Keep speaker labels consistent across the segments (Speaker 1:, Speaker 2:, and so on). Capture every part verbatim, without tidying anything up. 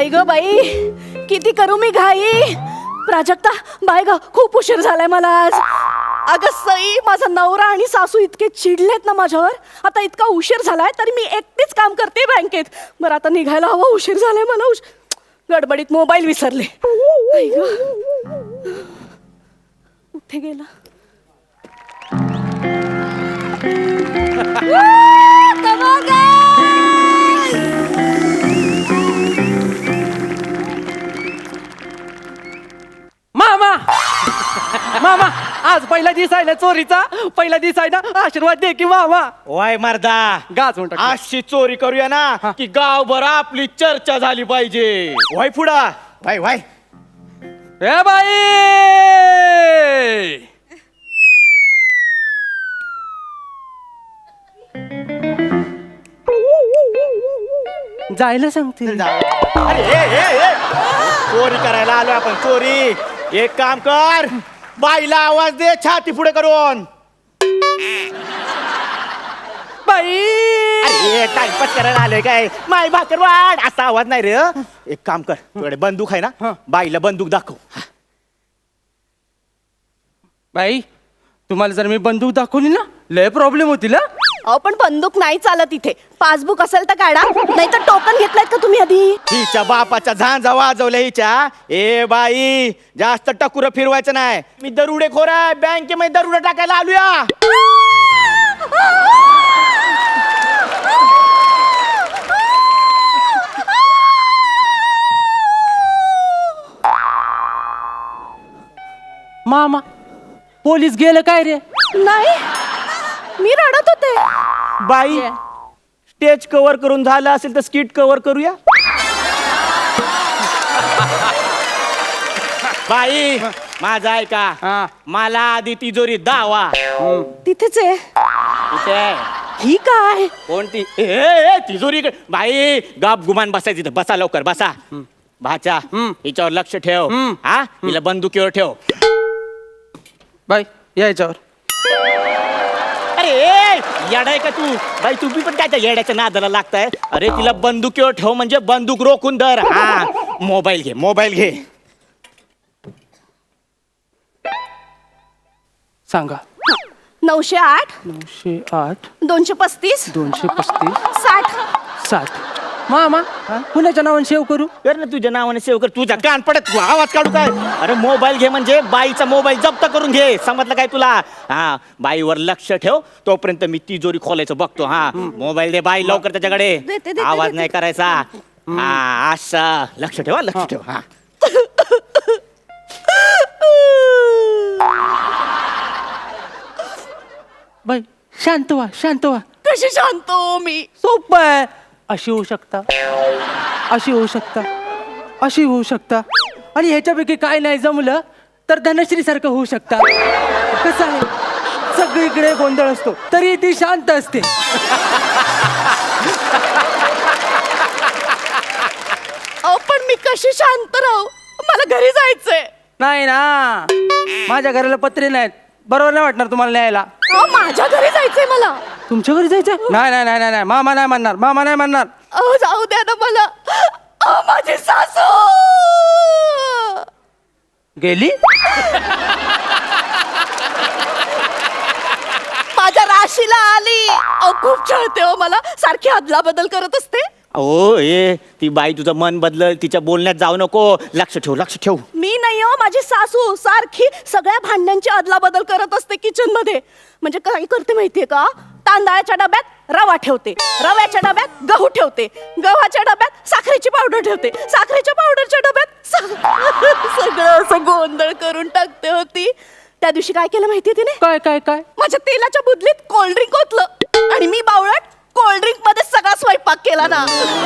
Speaker 1: बाई ग बाई, किती करू मी घाई. प्राजक्ता बाय ग, खूप उशीर झालाय मला आज. अगं सई, माझा नवरा आणि सासू इतके चिडलेत ना माझ्यावर. आता इतका उशीर झालाय तरी मी एकटीच काम करते बँकेत. बरं आता निघायला हवं, उशीर झालाय मला. उश गडबडीत मोबाईल विसरले. बाई ग, कुठे गेला?
Speaker 2: मामा मामा, आज पहिला दिवस आहे ना चोरीचा. पहिला दिवस आहे ना, आशीर्वाद दे की मामा.
Speaker 3: वाय मर्दा,
Speaker 2: गाच म्हणतो
Speaker 3: अशी चोरी करूया ना की गावभर आपली चर्चा झाली पाहिजे. वाय पुढा, वाय वाय.
Speaker 2: ए बाई, जायला सांगते.
Speaker 3: अरे ए, ए, ए. चोरी करायला आलो आपण, चोरी. एक काम कर, बाईला आवाज दे छाती पुढे करून.
Speaker 2: बाई,
Speaker 3: अरे टाइमपास करायला आलोय काय? माय भाकर वाढ असा आवाज नाही रे. एक काम कर, तुझ्याकडे बंदूक आहे ना, बाईला बंदूक दाखव.
Speaker 2: बाई, तुम्हाला जर मी बंदूक दाखवली ना, लय प्रॉब्लेम होतील.
Speaker 1: अहो पण बंदूक नाही चालत इथे. पासबुक असेल तर काढा, नाही तर टोकन घेतलायत का तुम्ही आधी?
Speaker 3: हिच्या बापाच्या झांजा वाजवल्या हिच्या. ए बाई, जास्त टकुर फिरवायचं नाही. मी दरुडे खोर आहे, बँकेमध्ये दरुडे टाकायला आलूया.
Speaker 2: मामा, पोलीस गेलं काय रे?
Speaker 1: नाही, मी रडत होते.
Speaker 3: बाई, स्टेज कव्हर करून झालं असेल तर स्किट कव्हर करूया. बाई, माझा ऐका,
Speaker 2: हा.
Speaker 3: मला आधी तिजोरी दावा.
Speaker 1: तिथेच आहे.
Speaker 3: कुठे आहे?
Speaker 1: ही काय?
Speaker 3: कोणती? ए, ए, तिजोरी इकडे. बाई, गप गुमान बसायचं इथं. बसा लवकर, बसा. भाचा, हिच्यावर लक्ष ठेव. हा, हिला बंदुकीवर ठेव.
Speaker 2: बाई, यायच्यावर.
Speaker 3: अरे ए, येडाय का तू? बाई, तुम्ही पण काय त्या येड्याच्या नादाला लागताय? अरे तिला बंदुकीवर ठेव म्हणजे बंदूक रोखून धर. हा, मोबाईल घे, मोबाईल घे.
Speaker 2: सांगा.
Speaker 1: नऊशे आठ,
Speaker 2: नऊशे आठ,
Speaker 1: दोनशे पस्तीस,
Speaker 2: दोनशे पस्तीस,
Speaker 1: साठ.
Speaker 2: साठ. मामा, कुणाच्या नावाने सेव्ह करू?
Speaker 3: कर ना तुझ्या नावाने सेव कर. तुझ्या कान पडत तू आवाज काढू काय? अरे मोबाईल घे म्हणजे बाईचा मोबाईल जप्त करून घे. समजलं काय तुला? हा, बाईवर लक्ष ठेव, तोपर्यंत मी तिजोरी खोलायचं बघतो. हा, मोबाईल दे बाई लवकर त्याच्याकडे.
Speaker 1: देते, देते,
Speaker 3: आवाज
Speaker 1: देते.
Speaker 3: नाही करायचा. हा, असं लक्ष ठेव, हा, लक्ष ठेव. हा,
Speaker 2: बाई, शांत व्हा, शांत व्हा.
Speaker 1: कशी शांत हो मी?
Speaker 2: सोपं आहे. अशी होऊ शकता, अशी होऊ शकता, अशी होऊ शकता, आणि ह्याच्यापैकी काय नाही जमलं तर धनश्री सारखं होऊ शकता. कसं आहे, सगळीकडे गोंधळ असतो तरी ती शांत असते.
Speaker 1: अहो पण मी कशी शांत राहू? मला घरी जायचंय.
Speaker 2: नाही ना, माझ्या घराला पत्रे नाहीत, बरोबर नाही वाटणार तुम्हाला न्यायला.
Speaker 1: अहो माझ्या घरी जायचंय मला.
Speaker 2: तुमच्या घरी जायचं? नाही नाही नाही नाही नाही, मामा नाही म्हणणार, मामा नाही म्हणणार.
Speaker 1: अहो जाऊ द्या ना मला. अहो माझी सासू
Speaker 2: गेली.
Speaker 1: माझ्या राशीला आली. अहो खूप छळते हो मला, सारखी अदला बदल करत असते.
Speaker 3: ओ ए, ती बाई तुझं मन बदलल, तिच्या बोलण्यात जाऊ नको. लक्ष ठेव, लक्ष ठेव.
Speaker 1: मी नाही हो, माझी सासू सारखी सगळ्या भांड्यांची अदला बदल करत असते किचन मध्ये. म्हणजे काय करते माहितीये का? तांदळाच्या डब्यात रवा ठेवते, रव्याच्या डब्यात गहू ठेवते, गव्हाच्या डब्यात साखरेची पावडर ठेवते, साखरेच्या पावडरच्या डब्यात सा- सगळं असं गोंधळ करून टाकते होती. त्या दिवशी काय केलं माहितीये तिने?
Speaker 2: काय काय काय?
Speaker 1: माझ्या तेलाच्या बुदलीत कोल्ड्रिंक ओतलं आणि मी बावळट कोल्ड्रिंक मध्ये सगळा स्वयंपाक केला ना.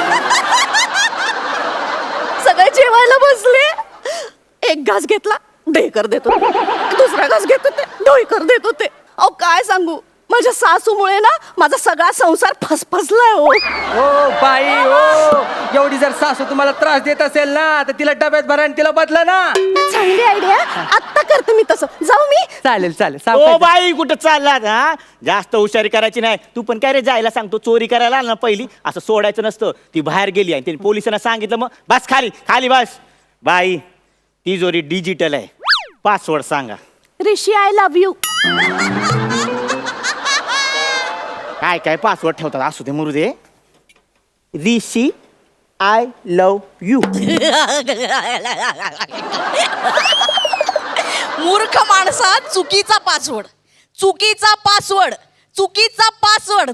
Speaker 1: सगळे जेवायला बसले. एक घास घेतला, ढेकर देत होते. दुसरा घास घेत होते, ढोईकर देत होते. अहो काय सांगू, माझ्या सासूमुळे ना माझा सगळा संसार फसफसलाय हो.
Speaker 2: ओ बाई ओ, एवढी जर सासू तुम्हाला त्रास देत असेल ना तर तिला डब्यात भरा आणि तिला बदला ना.
Speaker 1: चांगली आयडिया, आत्ता करते मी तसं. जाऊ मी.
Speaker 2: चालेल चालेल
Speaker 3: ओ
Speaker 2: सावकाश.
Speaker 3: बाई कुठं चालला हा? जास्त हुशारी करायची नाही. तू पण काय रे जायला सांगतो, चोरी करायला आला ना पहिली असं सोडायचं नसतं. ती बाहेर गेली आणि त्यांनी पोलिसांना सांगितलं, मग बस खाली खाली बस. बाई तिजोरी डिजिटल आहे, पासवर्ड सांगा.
Speaker 1: Rishi I love you.
Speaker 3: काय काय पासवर्ड ठेवतात, असू दे मरू दे. Rishi I love you.
Speaker 4: मूर्ख माणसा, चुकीचा पासवर्ड, चुकीचा पासवर्ड, चुकीचा पासवर्ड.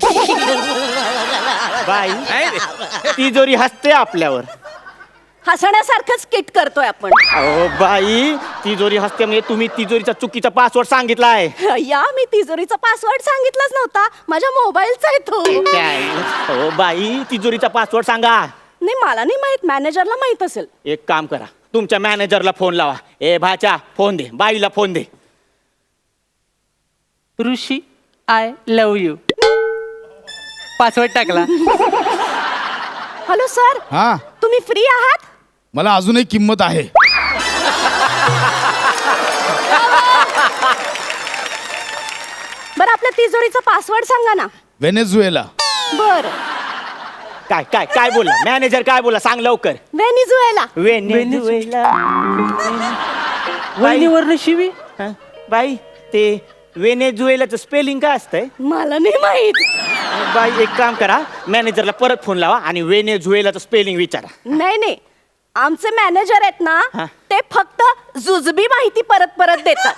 Speaker 3: बाई तिजोरी हसते आपल्यावर.
Speaker 1: हसण्यासारखंच किट करतोय आपण.
Speaker 3: अहो बाई तिजोरी हसते म्हणजे तुम्ही तिजोरीचा चुकीचा पासवर्ड सांगितलाय.
Speaker 1: या मी तिजोरीचा पासवर्ड सांगितलाच नव्हता, माझ्या मोबाईलचा आहे तो.
Speaker 3: काय? हो बाई तिजोरीचा पासवर्ड सांगा.
Speaker 1: नाही मला नाही माहित, मॅनेजरला माहित असेल.
Speaker 3: एक काम करा, तुमच्या मॅनेजरला फोन लावा. ए भाच्या फोन दे, बाईला फोन दे.
Speaker 2: Rishi I love you, password टाकला.
Speaker 1: हॅलो सर,
Speaker 5: हा,
Speaker 1: तुम्ही फ्री आहात?
Speaker 5: मला अजूनही किंमत आहे.
Speaker 1: बरं आपल्या तिजोरीचा पासवर्ड सांगा ना.
Speaker 5: व्हेनेझुएला.
Speaker 1: बर.
Speaker 3: काय काय काय बोला मॅनेजर, काय बोला सांग लवकर.
Speaker 1: व्हेनिझुएला.
Speaker 3: वेनेझुएला.
Speaker 2: वहिनीवरनं शिवी.
Speaker 3: हा? बाई ते वेनेझुएलाचं स्पेलिंग काय असतंय?
Speaker 1: मला नाही माहित.
Speaker 3: बाई एक काम करा, मॅनेजरला परत फोन लावा आणि वेनेझुएलाचं स्पेलिंग विचारा.
Speaker 1: नाही नाही, आमचे मॅनेजर आहेत ना
Speaker 3: हा.
Speaker 1: ते फक्त जुजबी माहिती परत परत देतात,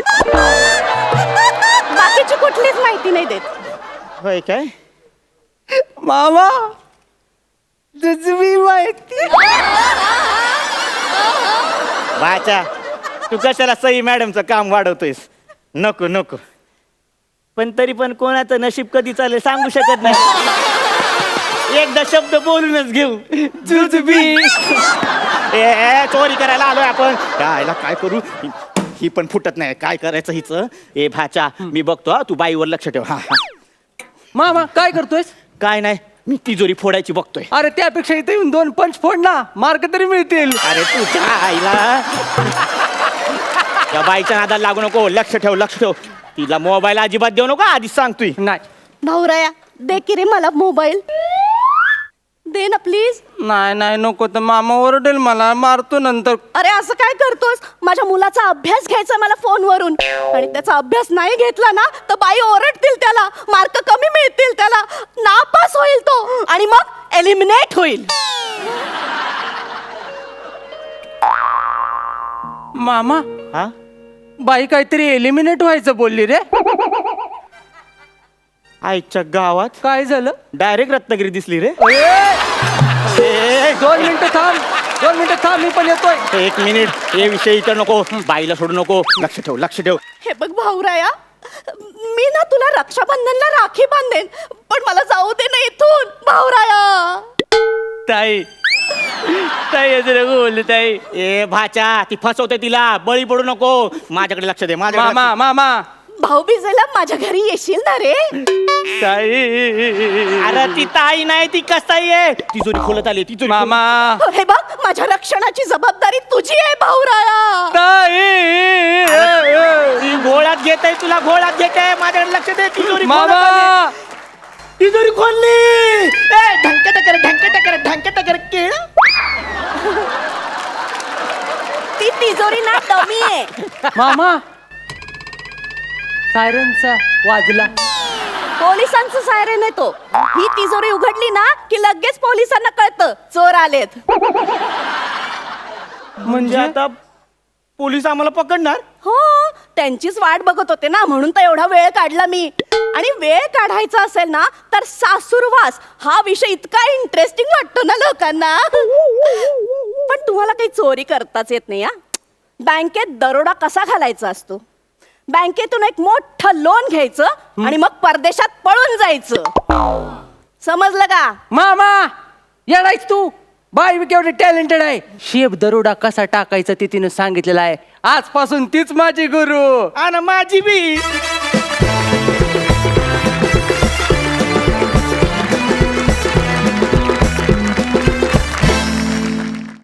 Speaker 1: बाकीची कुठलीच माहिती नाही देत.
Speaker 3: होय काय?
Speaker 2: मामा जुजबी माहिती.
Speaker 3: बाचा तू कशाला सई मॅडमचं काम वाढवतोयस? नको नको. पण तरी पण कोणाचं नशीब कधी चालेल सांगू शकत नाही. एकदा शब्द बोलूनच घेऊ.
Speaker 2: जुजबी.
Speaker 3: ए, ए चोरी करायला आलोय आपण. यायला काय करू, ही- ही पण फुटत नाही. काय करायचं हिच? ए भाचा मी बघतो हा, तू बाईवर लक्ष ठेव. हा हा.
Speaker 2: मामा काय करतोयस?
Speaker 3: काय नाही, मी तिजोरी फोडायची बघतोय.
Speaker 2: अरे त्यापेक्षा इथे येऊन दोन पंच फोड ना, मार्क तरी मिळतील.
Speaker 3: अरे तू काय आईला त्या बाईच्या नादाला लागू नको. लक्ष ठेव लक्ष ठेव. तिला मोबाईल अजिबात देऊ नको, आधीच सांगतोय.
Speaker 2: नाही
Speaker 1: भाऊराया दे की रे मला मोबाईल, दे ना प्लीज.
Speaker 2: नाही नाही नको, तर मामा ओरडेल, मला मारतो नंतर.
Speaker 1: अरे असं काय करतोस? माझ्या मुलाचा अभ्यास घ्यायचा मला फोनवरून, आणि त्याचा अभ्यास नाही घेतला ना तर बाई ओरडतील त्याला, मार्क कमी मिळतील त्याला, नापास होईल तो आणि मग एलिमिनेट होईल.
Speaker 2: मामा
Speaker 3: हा
Speaker 2: बाई काहीतरी एलिमिनेट व्हायचं बोलली रे.
Speaker 3: आईच्या गावात
Speaker 2: काय झालं?
Speaker 3: डायरेक्ट रत्नागिरी दिसली रे.
Speaker 2: ए, दोन मिनिटं थांब, दोन मिनिटं थांब, मी पण येतोय.
Speaker 3: एक मिनिट, हे विषय इथं नको, बाईला सोडू नको. लक्ष ठेव लक्ष ठेव.
Speaker 1: हे बघ भाऊराया, मी ना तुला रक्षाबंधनला राखी बांधेन, पण मला जाऊ दे ना इथून भाऊराया.
Speaker 2: ताई ताई असं नको बोलले ताई.
Speaker 3: ए भाचा ती फसवते, तिला बळी पडू नको. माझ्याकडे लक्ष दे. माझ्या
Speaker 2: मामा मामा
Speaker 1: भाऊबीजेला माझ्या घरी येशील ना रे?
Speaker 2: ताई.
Speaker 3: अरे ती ताई नाही, ती कसाई आहे. तिजोरी खोलत आली तिजोरी.
Speaker 2: मामा
Speaker 1: हे बघ माझ्या रक्षणाची जबाबदारी तुझी आहे भाऊराया.
Speaker 2: ताई.
Speaker 3: ती घोळात घेत आहे, तुला घोळात घेत आहे. माझ्याकडे लक्ष दे. तिजोरी खोलत
Speaker 2: मामा
Speaker 3: आली. तिजोरी खोलली. ए ढंक टकर ढंक टकर ढंक टकर केळ.
Speaker 1: ती तिजोरी ना डमी आहे.
Speaker 2: मामा सायरनचा वाजला.
Speaker 1: पोलिसांचं सायरन आहे तो. ही तिजोरी उघडली ना की लगेच पोलिसांना कळतं चोर आलेत.
Speaker 3: म्हणजे आता पोलीस आम्हाला पकडणार?
Speaker 1: हो, त्यांचीच वाट बघत होते ना, म्हणून तर एवढा वेळ काढला मी. आणि वेळ काढायचा असेल ना तर सासूरवास हा विषय इतका इंटरेस्टिंग वाटतो ना लोकांना. पण तुम्हाला काही चोरी करताच येत नाही. हा, बँकेत दरोडा कसा घालायचा असतो? बँकेतून एक मोठं लोन घ्यायचं आणि मग परदेशात पळून जायचं. समजलं का?
Speaker 2: मामा येडायच तू. बाई मी केवढी टॅलेंटेड आहे. शेप दरोडा कसा टाकायचा ते तिने सांगितलेलं आहे. आजपासून तीच माझी गुरु.
Speaker 3: आणि माझी बी.